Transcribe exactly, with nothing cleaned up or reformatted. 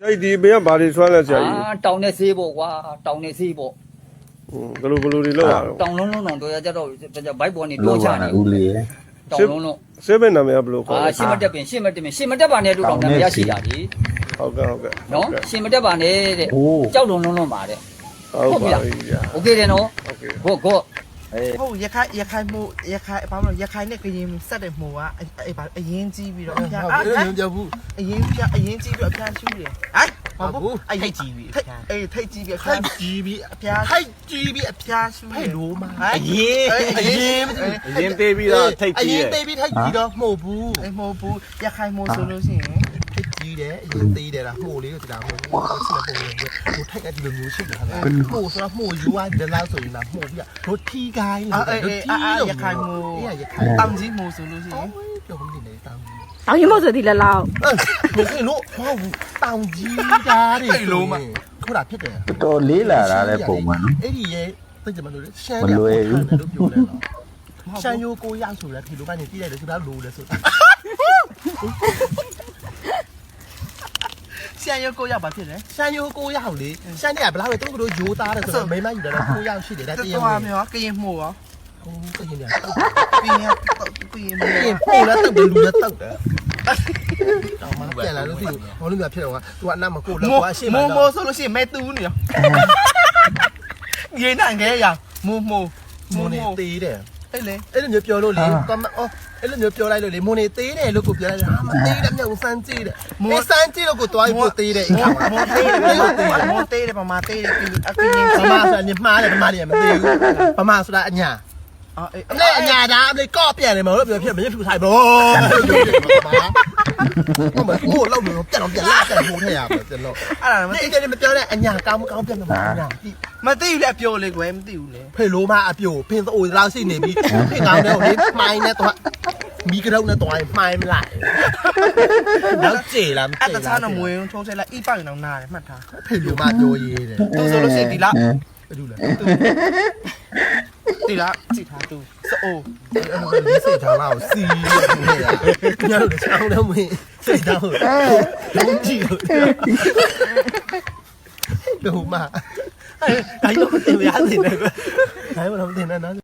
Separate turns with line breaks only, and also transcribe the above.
အဲ့ဒီဘယ်ကဘာတွေဆွမ်းလဲဆရာကြီး
အာတောင်းနေစေးပေါ့ကွာတောင်းနေစေးပေါ့
ဘယ်လိုဘယ်လိုတွေလောက်ရအောင်
တောင်းလုံးလုံးတော့ကြတော့ဘိုက်ပေါ်နေတိုးချနေ
ဦးလေး
တောင်းလုံးလုံး
ဆေးဘယ်နာမည်ကဘယ်လိုခေါ်
အာ
လဲ
ရှင်းမတက်ပင်ရှင်းမတက်ပင်ရှင်းမတက်ပါနဲ့တို့တောင်းနေရရှိတာဒီ
ဟုတ်ကဲ့ဟုတ်ကဲ့
နော်ရှင်းမတက်ပါနဲ့တဲ့ကြောက်လုံးလုံးလုံးပါတဲ့
ဟုတ်ပါပြီဗျာ
โอเคတယ်နော်
โอเค
ကိုကို
ဟုတ်ရခိုင်ရခိုင်မှုရခိုင်ဘာလို့ရခိုင်နဲ့ကရင်ဆက်တဲ့မှုကအဲ့ဘာအရင်ကြီးပြီးတော့အပြား
ဟုတ်တယ်မပြောဘူး
အရင်ပြအရင်ကြီးပြီးအပြားရှူးတယ်ဟိုက်ဟုတ်ဘူးအဲ့ထိတ်ကြီးပြီးအေးထိတ်ကြီးပြီးအပြား
ထိုက်ကြီးပြီး
အပြား
ထိုက်ကြီးပြီး
အပြားရှူး
ဟဲ့လို့မ
အရင်အရင်
အရင်သေးပြီးတော့ထိတ်ကြီးတယ်အရင်သေးပြီးထိုက်ကြီးတော့မှုဘူး
အဲ့မဟုတ်ဘူးရခိုင်မှုဆိုလို့ရှိရင်
ထိတ်ကြီးတယ်အရင်သေးတယ်လားမှုလေးကိုဒီလားမှုဆက်ပုံလေးဟိုထိုက်ကဒီလိုမျိုးရှိတယ်ဟာမှုဆိုတော့မှုယူရတဲ့လောက်ဆိုရင်လားမှုပြီးတော့ထီကိုင်း
အဲ့အဲ့အဲ့ရခိုင်မှု
ရခိုင်
တောင်ကြီးမှုဆိုလို့ရှိရင်
ပြောမနေနဲ့တောင်ကြီး
အောင်ရင်မို့ဆိုဒီလက်လောက်
ဘယ်လိုမဟုတ်ဘူးတောင်ကြီးသားတွေခုနဖြစ်တယ်
တော်လေးလာတာလည်းပုံမှန်နော်
အဲ့ဒီရဲ့သိကြမလို့ရှမ်းလို့ပြောတယ်နော်ရှမ်းရိုးကိုရဆိုလဲဒီလိုကနေပြည့်လိုက်တယ်ဆိုတော့လိုလဲဆိုတာ
ရှမ်းရုပ်ကိုရောက်ပါဖြစ်တယ်
ရှမ်းရိုးကိုရအောင်လေရှမ်းเนี่ยဘယ်လောက်လဲသူတို့ရိုးသားတယ်ဆိုတော့မိမယူတယ်တော့ကိုရရှိတယ်ဒါတ
တော်
ရင်
တော်များကရင်မှုရော
ဟိုကရင်เนี่ย
ကရင်ကရင်မှု
ကရင်ပို့แล้วတုတ်တယ်လူလည်းတုတ်တယ်တော့မပြန်လာလို့ဒီဟောလို့ပြဖြစ်တော့ကသူကအနမကိုလောက်ကွာရှေ့မှာ
မိုး
တော့
မိုးဆိုလို့ရှိရင်မဲတူးနေရောရေးနိုင်ခဲ့ရမိုးမိုး
မွ
မိုး
န်နေ
မိုး
သေးတယ်
အဲ့လေ
အဲ့လိုမျိုးပြောလို့လေတော့အော်အဲ့လိုမျိုးပြောလိုက်လို့လေမွန်နေသေးတယ်လို့ကိုပြောလိုက်ဟာမသေးတယ်မြောက်စမ်းကြည့်တယ်မေးစမ်းကြည့်လို့ကိုတွားပြီးပို့သေးတယ်အိမ်က
မိုးသေးတယ်မိုးသေးတယ်ပမာသေးတယ်အကင်း
ဗမာဆိုတာညမှားတယ်ဗမာတွေကမသေးဘူးဗမာဆိုတာအညာ
အော်အေး
အလဲအညာဒါအလဲကော့ပြန်တယ်မလို့ပြောဖြစ်မရဖြူထိုင်ဘောဟုတ်မှာကိုလောက်လို့ပြန်တော့ပြန်လာတယ်ဟိုထည့်ရမှာကျွန်တော်
အဲ့ဒါမ
ဒီ
သိ
အဲ့ဒီမပြောနဲ့အညာကောင်းမကောင်းပြန်မှာအညာ
မသိဘူးလေအပြိုလေကွယ်မသိဘူးလေ
ဖေလိုမအပြိုဖင်းအိုလောက်ရှိနေပြီဖေကောင်းတဲ့ဟိုလေးမိုင်းနဲ့တော့မီကရုံနဲ့တော့မိုင်းမလိုက်တော့ကြေလားမ
အဲ့
ကြေ
တခြားတော့မွေးထုံးဆက်လိုက်အိပောက်ရင်တော့နားတယ်မှတ်ထား
ဖေလိုမပြောရေးတယ်
သူဆိုလို့ရှိရင်ဒီလား
ဘာလို့လဲ
ဒီလားကြည့်ထားသူစိုး
အဲ့လိုစိတ်ထားလောက်စီးနေရညတို့ချောင်းတော့မင်းစိတ်ထားဟုတ်လုံးကြည့်လို့ဘယ်မှာအဲ့ဒါတော့တင်ရသေးတယ်ကွာဒါမှမဟုတ်တင်နေနော်